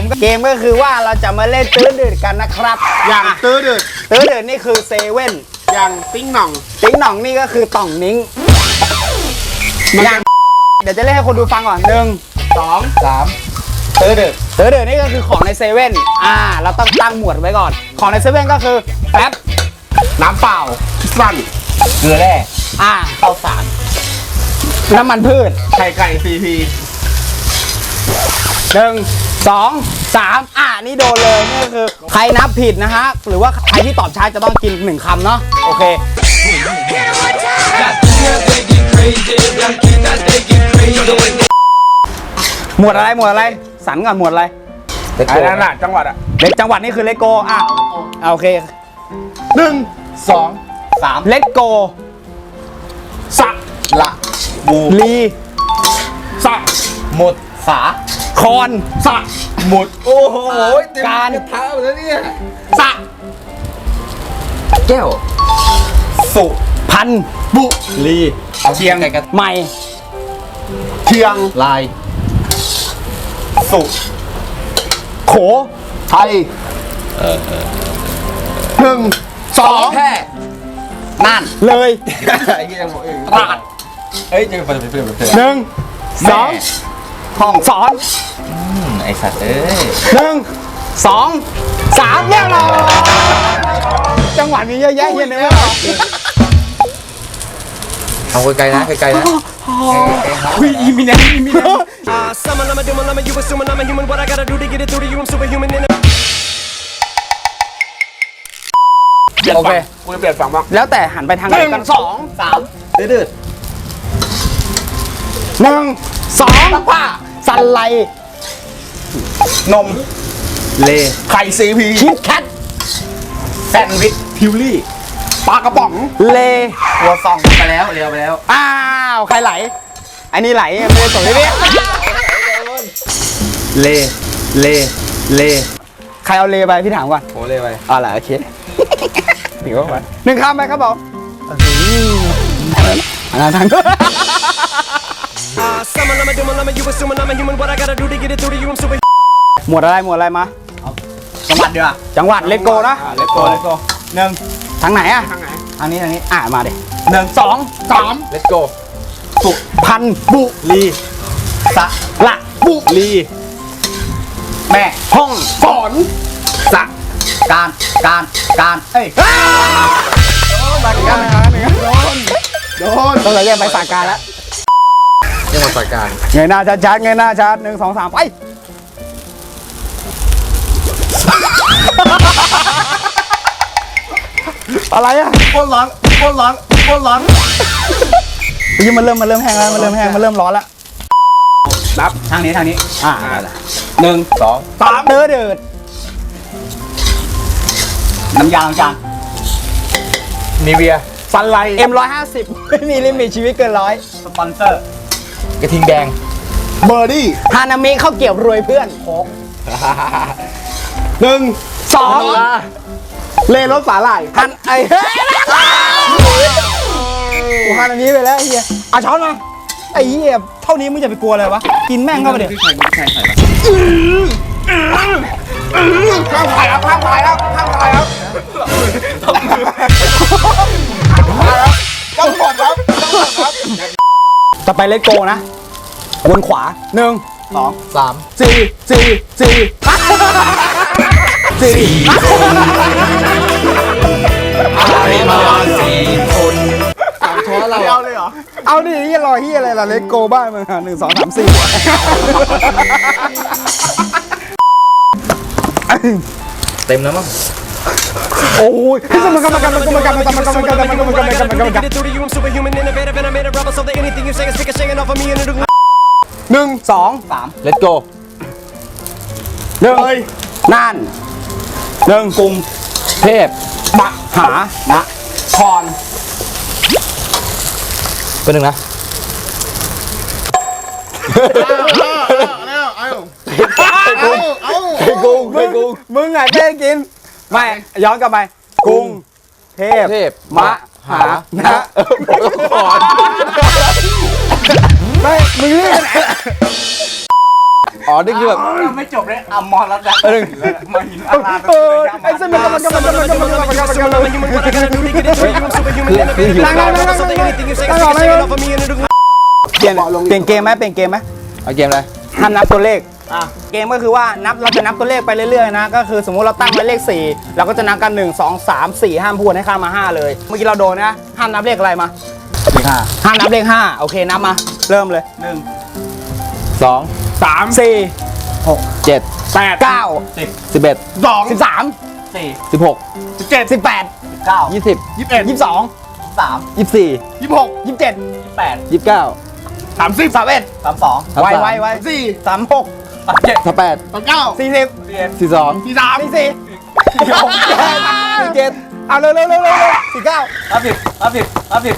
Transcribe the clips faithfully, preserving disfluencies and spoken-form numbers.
เกมก็คือว่าเราจะมาเล่นตื้อดืดกันนะครับอย่างตื้อดืดตื้อดืดนี่คือเซเว่นอย่างติ้งหน่องติ้งหน่องนี่ก็คือต่องนิ้งอย่างเดี๋ยวจะเล่นให้คนดูฟังก่อนหนึ่งสองสามตื้อดืดตื้อดืดนี่ก็คือของในเซเว่นอ่าเราต้องตั้งหมวดไว้ก่อนของในเซเว่นก็คือแป๊บน้ำเปล่าสั้นเกลือแร่อ่าข้าวสารน้ำมันพืชไข่ไก่ซีพีหนึ่งสองสามอ่านี่โดนเลยนี่ก็คือใครนับผิดนะฮะหรือว่าใครที่ตอบช้าจะต้องกินหนึ่งคำเนาะโอเคหมวดอะไรหมวดอะไรสันก่อนหมวดอะไรไอ้นั่นน่ะจังหวัดอะเล็กจังหวัดนี่คือเลโกอ่ะโอเคหนึ่งสองสามเลโกสักละบูลีสักหมดฝาคอนสักหมดโอ้โหการเท้าแล้วเนี่ยสักแก้วสุพันบุลีเชียงใหม่เชียงลายสุโขไทยหนึ่งสองแค่นั่นเลยไอ้เงี้ยบอกเองตราดเอ้ยยังเป็นเป็นเป็นหนึ่งสองห้องสอนไอสัตว์เอ้ยหนึ่งสองสามเรียบร้อยจังหวัดมีเยอะแยะเฮียเนี่ยเอาไกลๆนะไกลๆนะวิอีมิเนนอีมิเนนโอเคกูจะเปลี่ยนฝั่งบ้างแล้วแต่หันไปทางไหนกันสองสามดืดหนึ่งสองผ้าสันไลนมเลไข่ซีพีคิดแคทแซนด์วิชพิวลี่ปลากระป๋องเลตัวซองไปแล้วเร็วไปแล้วอ้าวใครไหลอันนี้ไหลไม่ได้ส่งเลยพี่เลเลเลใครเอาเลไปพี่ถามก่อนโอ้เลไปอ๋อเหรอโอเคถึงว่าไปหนึ่งคำไหมครับผมอันนั้นทางหมวดอะไรหมวดอะไรมาจังหวัดเดียวจังหวัดเลโก้นะเลโก้เลโก้หนึ่งทางไหนอะทางไหนทางนี้ทางนี้อ่ะมาเด็หนึ่งสองสามเลโก้สุพันบุรีสะละบุรีแม่ห้องสอนสะการการการเอ้ยมาถึงกันมาถึงกันโดนโดนต้องเลยแยกไปสาการแล้วยังมาสาการเงยหน้าชัดๆเงยหน้าชัดหนึ่งสองสามไปอะไรอ่ะโคตรร้อนโคตรร้อนโคตรร้อนยิ่งมันเริ่มมันเริ่มแห้งแล้วมันเริ่มแห้งมันเริ่มร้อนแล้วนับทางนี้ทางนี้อ่าหนึ่งสองสามเดือดเดือดน้ำยาล้างจานนิเวียฟันไลเอ็มร้อยห้าสิบไม่มีลิมิตชีวิตเกินร้อยสปอนเซอร์กระทิงแดงเบอร์ดี้ฮานามิข้าวเกี๊ยวรวยเพื่อนโค้กหนึ่งสองเลรถสาหร่ายฮันไอ้เฮ้ยกูฮันอันนี้ไปแล้วเฮียเอาช้อนมาไอ้เฮียเท่านี้มึงจะไปกลัวอะไรวะกินแม่งเข้าไปเดี๋ยวข้ามถ่ายครับข้ามถ่ายครับข้ามถ่ายครับต้องหมดครับต้องหมดครับจะไปเลโก้นะวนขวาหนึ่งสองสามสี่สี่สี่สี่อะไรมาสี่คนสามช้อนเราเอาเลยเหรอเอาดิยี่รอที่อะไรล่ะเลโก้บ้านมึงหนึ่งสองสามสี่เต็มแล้วมั้งโอ้ยที่สมการการการการการการการการการการหนึ่งสองสาม let's go หนึ่งน่านหนึ่งกรุงเทพมหานะครเป็นหนึ่งนะไอ้กุ้งไอ้กุ้งมึงไงแค่กินไม่ย้อนกลับไปกรุงเทพมหานะก่อนไม่มึงเรียกไหนอ๋อนี่คือแบบยังไม่จบเลยอ่ะมอรัตน์เออมาหินอาราเออไอ้สนุกมันก็มันก็มันก็มันก็มันก็มันก็มันก็มันก็นั่งนั่งนั่งนั่งนั่งนั่งนั่งนั่งเปลี่ยนเปลี่ยนเกมไหมเปลี่ยนเกมไหมเอาเกมอะไรห้ามนับตัวเลขเกมก็คือว่านับเราจะนับตัวเลขไปเรื่อยๆนะก็คือสมมุติเราตั้งไว้เลขสี่เราก็จะนับกันหนึ่งสองสามสี่ห้ามพูดให้ข้ามมาห้าเลยเมื่อกี้เราโดนนะห้ามนับเลขอะไรมาเลขห้าห้ามนับเลขห้าโอเคนับมาเริ่มเลยหนึ่งสองสามสี่เจ็ดแปดเก้าสิบสิบเอ็ดสองสิบสามสี่สิบหกสิบเจ็ดสิบแปดเก้ายี่สิบยี่สิบเอ็ดยี่สิบสองสามยี่สิบสี่ยี่สิบหกยี่สิบเจ็ดยี่สิบแปดยี่สิบเก้าสามสิบสามเอ็ดสามสองสามไวสามไวไวสี่สามหกสามเจ็ดสามแปดสามเก้าสี่สิบสี่เอ็ดสี่สองสี่สามสี่สี่สี่หกสี่เจ็ดเอาเร็วเร็วเร็วเร็วสี่เก้าห้าสิบห้าสิบห้าสิบ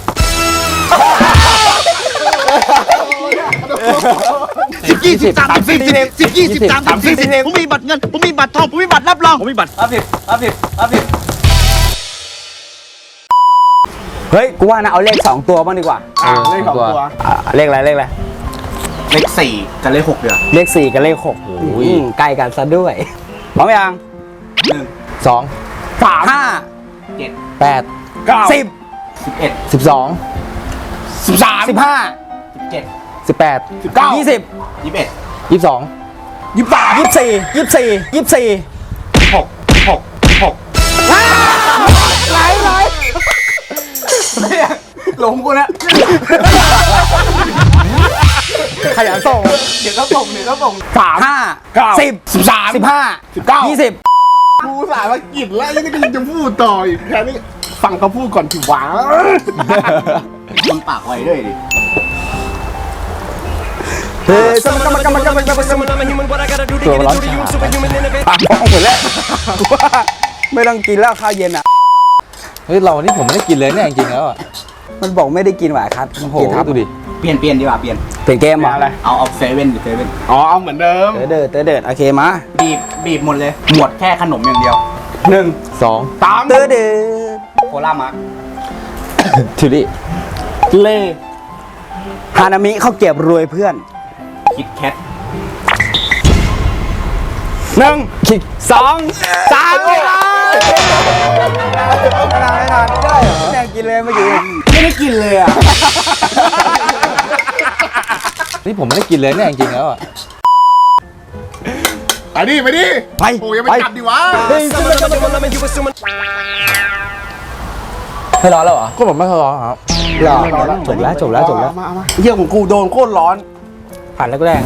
สิบยี่สิบสามสิบสิบสิบยี่สิบสามสิบสี่สิบผมมีบัตรเงินผมมีบัตรทองผมมีบัตรรับรองผมมีบัตรห้าสิบห้าสิบห้าสิบเฮ้ยกูว่านะเอาเลขสองตัวบ้างดีกว่าอ่าเลขสองตัวอ่าเลขอะไรเลขอะไรเลขสี่กับเลขหกเดือนเลขสี่กับเลขหกอืมใกล้กันซะด้วยพร้อมยังหนึ่งสองสามห้าเจ็ดแปดเก้าสิบสิบเอ็ดสิบสองสิบสามสิบห้าสิบเจ็ดสิบแปดสิบเก้ายี่สิบยี่สิบเอ็ดยี่สิบสองยี่สิบสามยี่สิบสี่ยี่สิบสี่ยี่สิบสี่ยี่สิบหกยี่สิบหกยี่สิบหกไหลไหลหลงกูนะขยันส่งเดี๋ยวก็ส่งเดี๋ยวก็ส่งสามห้าเก้าสิบสิบสามสิบห้าสิบเก้ายี่สิบกูสายว่ากินแล้วยังจะจะพูดต่ออีกแค่นี้ฟังเขาพูดก่อนถึงหวาคนปากไวด้วยดิเฮ้ยสมกรรมกรรมกรรมกรรมกรรมตัวร้อนฉาปากมองหมดแล้วว่าไม่ต้องกินแล้วข้าวเย็นอ่ะเฮ้ยเรานี่ผมไม่ได้กินเลยเนี่ยจริงๆแล้วอ่ะมันบอกไม่ได้กินหวายครับโอ้โหกินครับดูดิเปลี่ยนเปลี่ยนดีกว่าเปลี่ยนเปลี่ยนเกมเหรออะไรเอาเอาเซเว่นดิเซเว่นอ๋อเอาเหมือนเดิมเตอเดิร์ดเตอเดิร์ดโอเคมาบีบบีบหมดเลยหมดแค่ขนมอย่างเดียวหนึ่งสองสามเตอเดิร์ดโคล่ามาร์ทิวลี่เล่ฮานามิเขาวเก็บรวยเพื่อนคิดแคทหนึ่งสองสามไม่ได้ไม่ได้ไม่ได้ไม่ได้เหรอแม่งกินเลยเมื่อกี้ไม่ได้กินเลยอ่ะนี่ผมไม่ได้กินเลยเนี่ยจริงๆแล้วอ่ะไปดิไปดิไปโอ้ยังไม่จับดิวะไม่ร้อนแล้วเหรอก็ผมไม่ร้อนครับหล่อจบแล้วจบแล้วจบแล้วมามาเยี่ยของกูโดนโคตรร้อนผ่านแรกแรก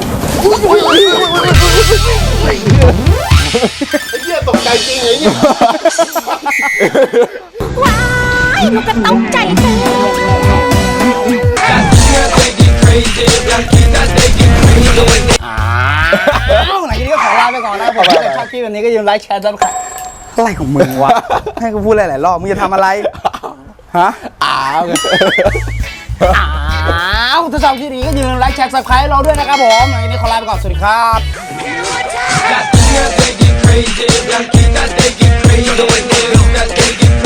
เยี่ยตกใจจริงเลยเนี่ยว้ายมันก็ตกใจเธออ้าวไหนทีนี้ก็ขอลาไปก่อนนะผมถ้าชอบคลิปแบบนี้ก็อย่าลืมไลค์แชร์ซับสไครต์อะไรของมึงวะให้กูพูดหลายๆรอบมึงจะทำอะไรฮะอ้าวอ้าวถ้าชอบคลิปนี้ก็อย่าลืมไลค์แชร์ซับสไครต์เราด้วยนะครับผมไหนทีนี้ขอลาไปก่อนสวัสดีครับ Got the girl thinking crazy.